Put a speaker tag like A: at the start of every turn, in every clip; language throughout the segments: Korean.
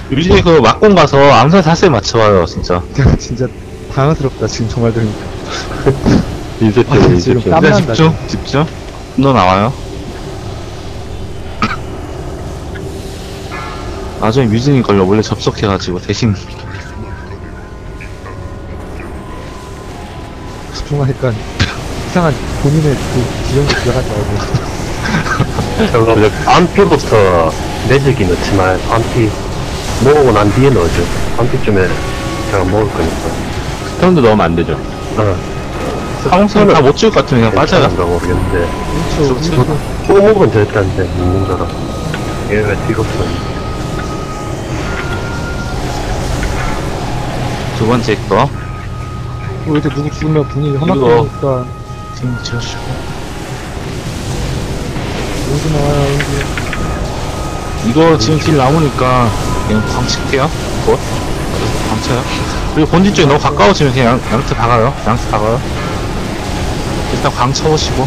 A: 유진이 그 막공 가서 암살 자세 맞춰봐요, 진짜.
B: 진짜 당황스럽다 지금 정말 들으니까.
C: 인셉션,
B: 지금
C: 인셉션.
B: 땀
A: 일단
B: 난다,
A: 집중. 분노 나와요. 나중에 유진이 걸려 원래 접속해가지고 대신
B: 집중하니까 이상한 본인의 그 지정도 들어가지 말고.
C: 그럼 안피부터 내적이 넣지만 안피 모으고 난 뒤에 넣어줘. 안피쯤에 제가 먹을 거니까.
D: 스턴도 넣으면 안 되죠.
A: 사홍선을 다 못 찍을 것 같으면 그냥 빠져요.
C: 괜찮은가 모르겠는데.
B: 그렇죠.
C: 꼬목은 됐다는데 먹는 거라. 얘왜 뒤로 써?
A: 두 번째 거.
B: 이렇게 누구 죽으면 분위기
A: 이거.
B: 험악하니까
A: 지금 지어주고.
B: 여기 나와요 여기.
A: 이거 지금 길 남으니까 그냥 광 칠게요. 곧. 광 쳐요. 그리고 본진 쪽에 너무 가까워지면 그냥 양트 박아요. 양트 박아요. 일단 광 쳐보시고.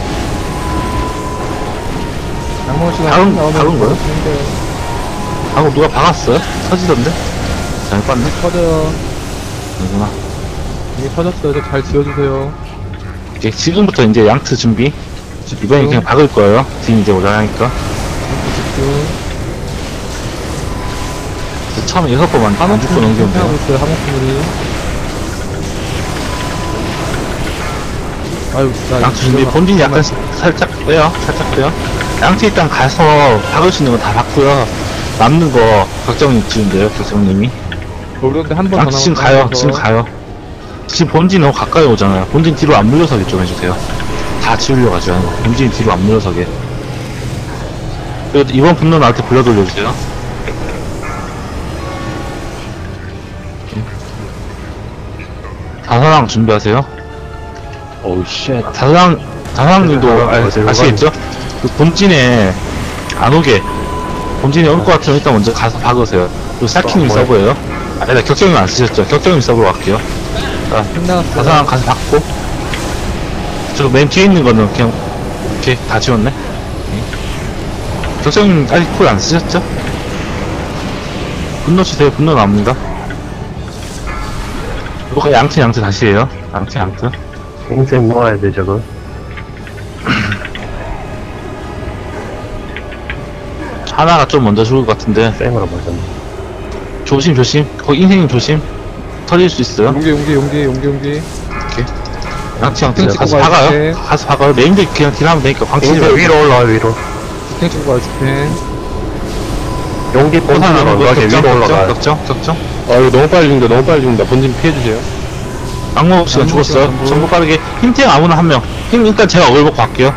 B: 양모 씨가
A: 다른-
B: 나오면
A: 다른 거요?
B: 근데
A: 방금 누가 박았어요? 터지던데? 잘못 봤네?
B: 터져요.
A: 아니구나.
B: 이게 터졌어요. 이제 잘 지어주세요.
A: 이제 지금부터 이제 양트 준비. 이번엔 그냥 박을 거예요. 지금 이제 오자니까.
B: 집중.
A: 처음에 6번만 안
B: 한옥
A: 죽고 넘기면
B: 하고
A: 돼요.
B: 있어요. 한옥분들이. 아유, 나
A: 양트 준비. 본진이 약간 살짝 빼요. 살짝 빼요. 양트 일단 가서 박을 수 있는 거 다 박고요. 남는 거 격정님 지금 돼요. 격정님이.
B: 그런데 한 번 더
A: 양트 지금 가요. 지금 가요. 지금 본진 너무 가까이 오잖아요. 본진 뒤로 안 물러서게 좀 해주세요. 다 지우려가지고 하는 거. 본진 뒤로 안 물러서게. 그리고 이번 분노 나한테 불러 돌려주세요. 다사랑 준비하세요.
D: 오우, 쉣.
A: 다사랑님도 아시겠죠? 그 본진에 안 오게. 본진에 올 것 같으면 일단 먼저 가서 박으세요. 그리고 사키님 서브예요. 아니다, 격정님 안 쓰셨죠? 격정님 서브로 갈게요. 자,
B: 끝나갔어요.
A: 다사랑 가서 박고. 저 맨 뒤에 있는 거는 그냥 이렇게 다 지웠네. 격정님 아직 쿨 안 쓰셨죠? 분노 치세요. 분노 나옵니다. 이거 양트 다시 해요. 양트.
C: 인생 모아야 돼 저거.
A: 하나가 좀 먼저 죽을 것 같은데.
C: 쌩으로 맞았네.
A: 조심. 거기 인생님 조심. 터질 수 있어요.
B: 용기.
A: 양치
B: 탱
A: 가서
B: 찍고
A: 박아요.
B: 가야지.
A: 가서 박아요. 메인들 그냥 딜하면 되니까 광치지
C: 인생
A: 말고.
C: 위로 올라와 위로.
B: 스탱 치고 가요, 스탱.
C: 용기 본진으로 가게 위로 올라가.
A: 격정.
D: 아, 이거 너무 빨리 죽는다. 본진 피해주세요.
A: 악몽 씨가 죽었어요.
B: 전부.
A: 전부 빠르게. 힘탱 아무나 한 명. 힘 일단 제가 얼 먹고 갈게요.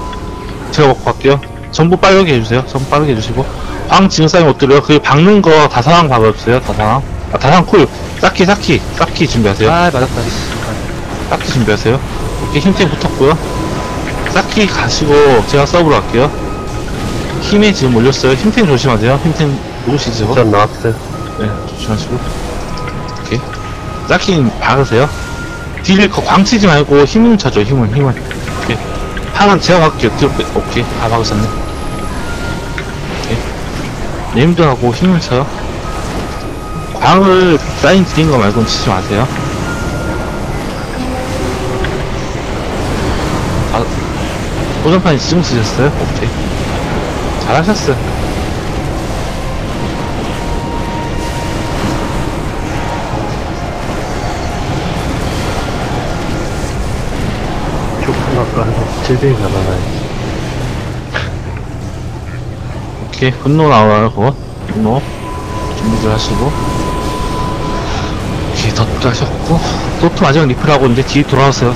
A: 전부 빠르게 해주세요. 전부 빠르게 해주시고. 광 지금 쌓이면 못 들어요. 그 박는 거 다사랑 박아주세요. 다사랑 쿨. 쌓기 준비하세요.
B: 아, 맞았다.
A: 쌓기 준비하세요. 오케이, 힘탱 붙었고요. 쌓기 가시고 제가 서브로 갈게요. 힘에 지금 올렸어요. 힘탱 조심하세요. 힘탱 누구시죠?
C: 전 나왔어요.
A: 네, 조심하시고. 오케이. 쌓기 박으세요. 딜 광치지 말고 힘을 쳐줘. 힘을. 오케이. 하나 제가 갈게요. 뒤로 빼. 오케이. 다 박으셨네. 오케이. 네임도 하고 힘을 쳐요. 광을 사인 드린 거 말고는 치지 마세요. 도전판이 지금 쓰셨어요? 오케이. 잘하셨어요.
C: 쭉 나가 700이 가나요?
A: 오케이. 분노 나와요, 그거. 분노. 준비들 하시고. 오케이. 덧도 하셨고. 도트 마지막 리플하고 이제 뒤에 돌아왔어요.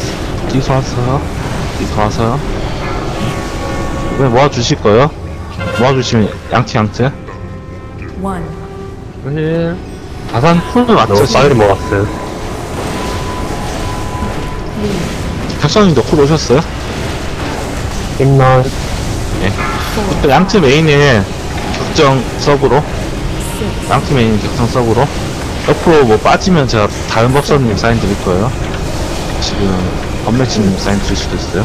A: 이번에 모아주실 거예요. 모아주시면 양트.
E: One.
B: 힐.
A: 다산 쿨도 맞죠?
C: 너무 빨리 모았어요.
A: 격선님도 쿨 오셨어요?
C: 힘나.
A: 또 양트 메인에 격정 서브로. 양트 메인 격정 서브로. 옆으로 뭐 빠지면 제가 다른 법사님 사인 드릴 거예요. 지금 범매치님 사인 드릴 수도 있어요.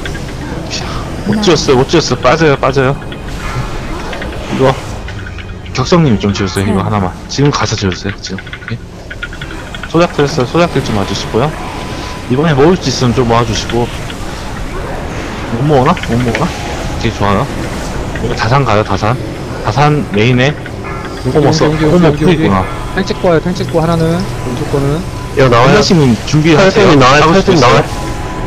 A: 못 지었어요. 빠져요. 이거 격성님이 좀 지어주세요. 이거 하나만. 지금 가서 지어주세요. 지금. 오케이. 소작들 했어요. 소작들 좀 와주시고요. 이번에 모을 수 있으면 좀 모아주시고. 못 모으나? 못 모으나? 오케이, 좋아요. 이거 다산 가요, 다산. 다산 메인에 호모 써. 호모 풀이구나.
B: 탱 찍고 와요, 탱 찍고 하나는. 왼쪽 거는.
C: 이거 나와요?
A: 한라시님 준비하세요.
C: 탈승이 나와요?
A: 박을 수도
C: 탈승
A: 있어요.
C: 나와요?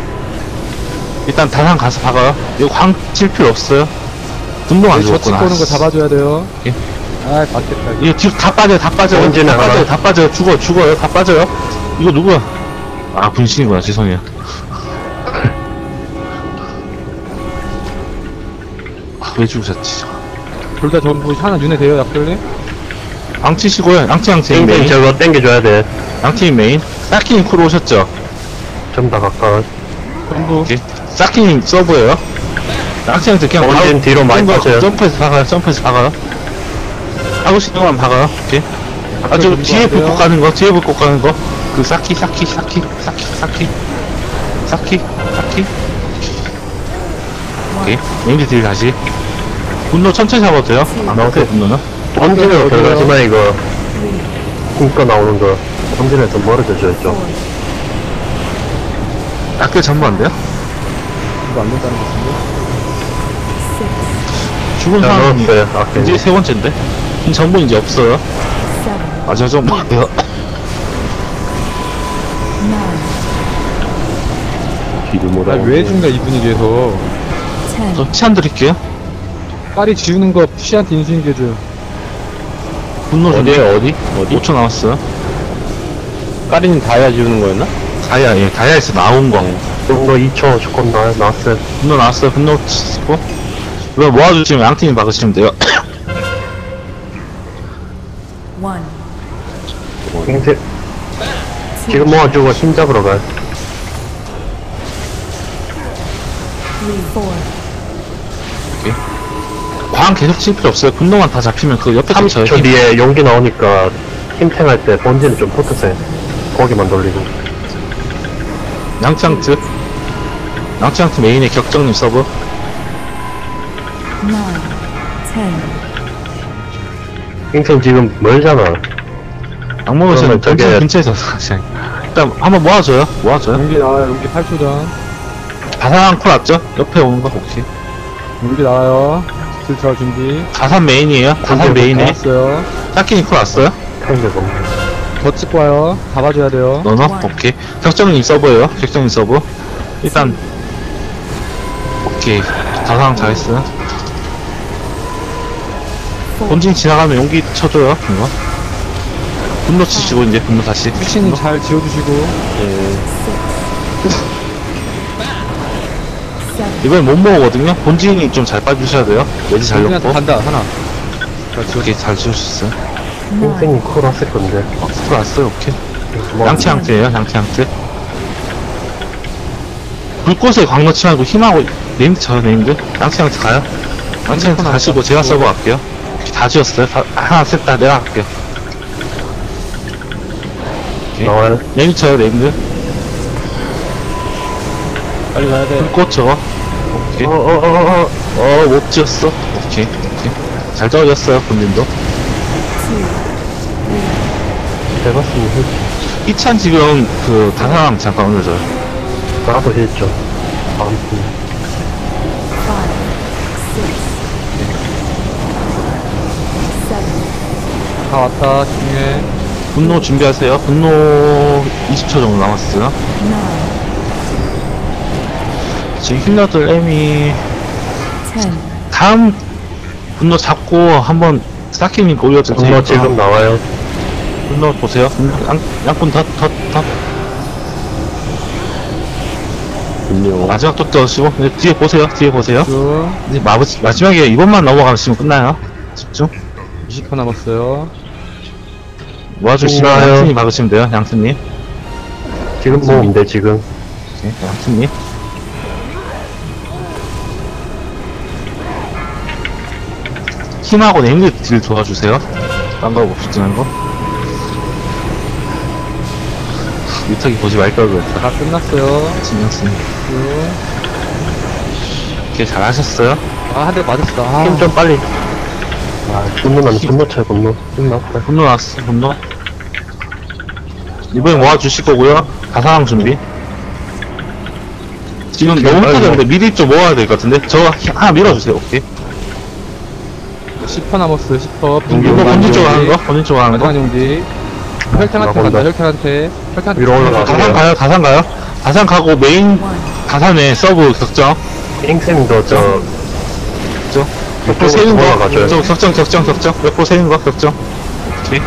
A: 일단 다산 가서 박아요. 이거 광 칠 필요 없어요. 분동 안
B: 저 찍고
A: 죽었구나.
B: 오는 거 잡아줘야 돼요.
A: 예.
B: 아, 맞겠다.
A: 이거 뒤로 다 빠져요, 다 빠져요.
C: 언제나
A: 다 빠져요,
C: 하나.
A: 다 빠져요. 죽어요, 다 빠져요. 이거 누구야? 아, 분신이구나. 죄송해요. 아, 왜 죽으셨지?
B: 둘 다 전부 하나 윤회 돼요, 약돌님?
A: 양치시고요. 양치
C: 땡땡
A: 메인.
C: 저거 땡겨줘야 돼.
A: 양치 메인. 사키님 크로 오셨죠?
C: 좀 다 가까워.
B: 전부.
A: 오케이. 사키님 서브예요. 양치한테 그냥
C: 본진 뒤로 많이
A: 거
C: 빠져요.
A: 점프해서 박아요, 점프해서 박아요. 하고 싶은 것만 박아요. 오케이. 아, 저
B: 전부
A: 뒤에
B: 안 돼요.
A: 불꽃 가는 거, 뒤에 불꽃 가는 거. 그 사키. 오케이. 메인드 딜 다시. 분노 천천히 잡아도 돼요? 안 나오세요, 분노는?
C: 본진으로 들어가지만 이거 굶고 나오는 거 본진에서 멀어져 줘야죠.
A: 학교 전부 안 돼요?
B: 이거 안 된다는 것 같은데?
A: 죽은
C: 자,
A: 사람이
C: 넣었어요. 아까
A: 이제 세 번째인데? 이 정보 이제 없어요. 아, 저 좀, 돼요.
D: 뒤도 못
B: 아,
D: 하고.
B: 왜 준가, 이 분위기에서.
A: 저 치안 드릴게요.
B: 빨리 지우는 거 푸시한테 인수인계줘.
A: 분노 준비.
D: 어디?
A: 5초 남았어요.
D: 까리는 다이아 지우는 거였나?
A: 다이아에서 나온 거.
C: 분노 2초 조금 나왔어요.
A: 분노 나왔어요. 분노 치고. 이거 모아주시면 양팀이 막으시면 돼요.
C: 인생 지금 모아주고 힘 잡으러 가요.
A: 광 계속 칠 필요 없어요. 분노만 다 잡히면 그 옆에 쳐요.
C: 30초 뒤에 용기 나오니까 힘탱할 때 본진은 좀 붙으세요. 고기만 돌리고.
A: 양치양트. 양치양트 메인에 격정님 서브.
C: 인생 지금 멀잖아.
A: 양모에서는
C: 그러면 저게-
A: 전진 근처에서 일단 한번 모아줘요.
B: 용기 나와요, 용기 8초 전.
A: 다산 콜 왔죠? 옆에 오는 거 혹시?
B: 용기 나와요. 딜 들어갈 준비.
A: 다산 메인이에요. 다산 메인에.
B: 나왔어요.
A: 사키니 콜 왔어요?
C: 탱겨보.
B: 더 찍고 와요. 잡아줘야 돼요.
A: 너너? 오케이. 격정님 서브예요. 격정님 서브. 일단 오케이. 다상 잘했어요. 본진 지나가면 용기 쳐줘요. 이거. 분노 치시고 이제 분노 다시.
B: 푸시님 잘 지워주시고.
A: 이번엔 못 먹거든요. 본진이 좀 잘 빠주셔야 돼요. 매지 잘
B: 용기한테
A: 넣고.
B: 간다, 하나.
A: 오케이 잘 지우셨어요.
C: 인생이 쿨 왔을 건데.
A: 들어왔어요. 오케이.
C: 뭐,
A: 양치양트예요. 양치양트. 불꽃에 광 넣지 말고 힘하고 네임드 쳐요. 네임드. 양치양트 가요. 양치양트 가시고 제가 서버 갈게요. 오케이, 다 지웠어요. 하나 셋 다 내가 갈게요. 오케이.
C: 나와요.
A: 네임드 쳐요. 네임드.
B: 빨리 가야 돼.
A: 불꽃 저거. 오케이. 못 지었어. 오케이. 오케이. 잘 떨어졌어요. 본인도.
C: 대봤으면 했지.
A: 이찬 지금 그 다사람 잠깐 올려줘요.
C: 나도 했죠. 아무튼.
B: 다 왔다, 집중해.
A: 분노 준비하세요. 분노 20초 정도 남았어요. 지금 힐러들 M이 다음 분노 잡고 한번 사키님 올려줄
C: 분노
A: 테니까
C: 지금 나와요.
A: 분노 보세요. 양분 더
D: 분뇨.
A: 마지막 또 떠시고 뒤에 보세요. 뒤에 보세요.
B: 쭉.
A: 이제 마지막에 이번만 넘어가시면 끝나요. 집중.
B: 20초 남았어요.
A: 모아주시면
C: 끝나요.
A: 양팀이 막으시면 돼요. 양팀님.
C: 지금 모으면 돼, 지금.
A: 네, 양팀님. 힘하고 네임드 딜 도와주세요. 딴 거 없지는 거. 유탁이 보지 말걸 그랬다.
B: 다 끝났어요.
A: 신경 쓰니.
B: 쭉.
A: 이렇게 잘하셨어요.
B: 아, 한 대 맞았어. 아,
C: 힘 좀 빨리. 아, 분노 차이 분노. 끝났다.
A: 분노 나왔어, 분노. 이번에 모아주실 거고요. 가상황 준비. 지금 너무 흩어졌는데 미리 좀 모아야 될 것 같은데? 저 하나 밀어주세요, 오케이.
B: 10퍼 남았어요, 10퍼.
A: 이거 본진 쪽으로 하는 거? 본진 쪽으로 하는 거?
B: 마지막 용지. 혈탱한테 간다, 혈탱한테. 혈탱한테.
C: 위로 올라가.
A: 가상 가요, 가상 가요. 가상 가고 메인 가산에 서브 격정.
C: 땡쌤도
A: 몇포 세는 거.
C: 올라가줘요.
A: 격정. 몇포 세는 거, 격정. 오케이.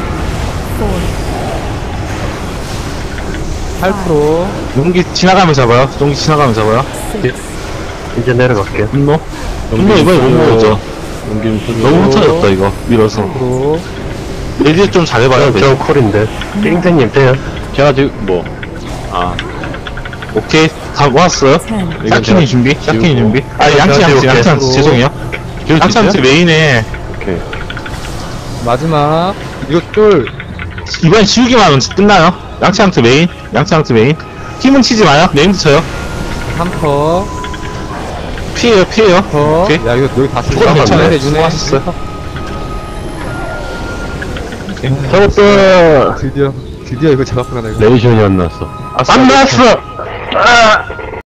B: 8%.
A: 용기 지나가면 잡아요. 용기 지나가면 잡아요.
C: 이제 내려갈게.
A: 분노. 분노 이번에 못 먹었죠. 너무 흩어졌다, 이거. 밀어서.
B: 10%.
A: 레디 좀 잘해봐요,
C: 저 콜인데. 땡쌤님 돼요?
D: 제가 지금 뭐,
A: 오케이. 다 모았어요. 샤키니 준비. 샤키니 준비. 아, 양치. 죄송해요. 양치 메인에
D: 오케이.
B: 마지막. 이거 쫄.
A: 이번엔 지우기만 하면 끝나요. 양치한테 메인. 힘은 치지 마요. 메인도 쳐요.
B: 3퍼.
A: 피해요.
B: 퍼.
A: 오케이.
B: 야, 이거 여기 다 쓰고
A: 조금 괜찮아요.
B: 윤회.
A: 수고하셨어요.
D: 잡았다!
B: 드디어 이거 잡았구나, 내가.
D: 레이션이 안 났어.
A: 안 나왔어!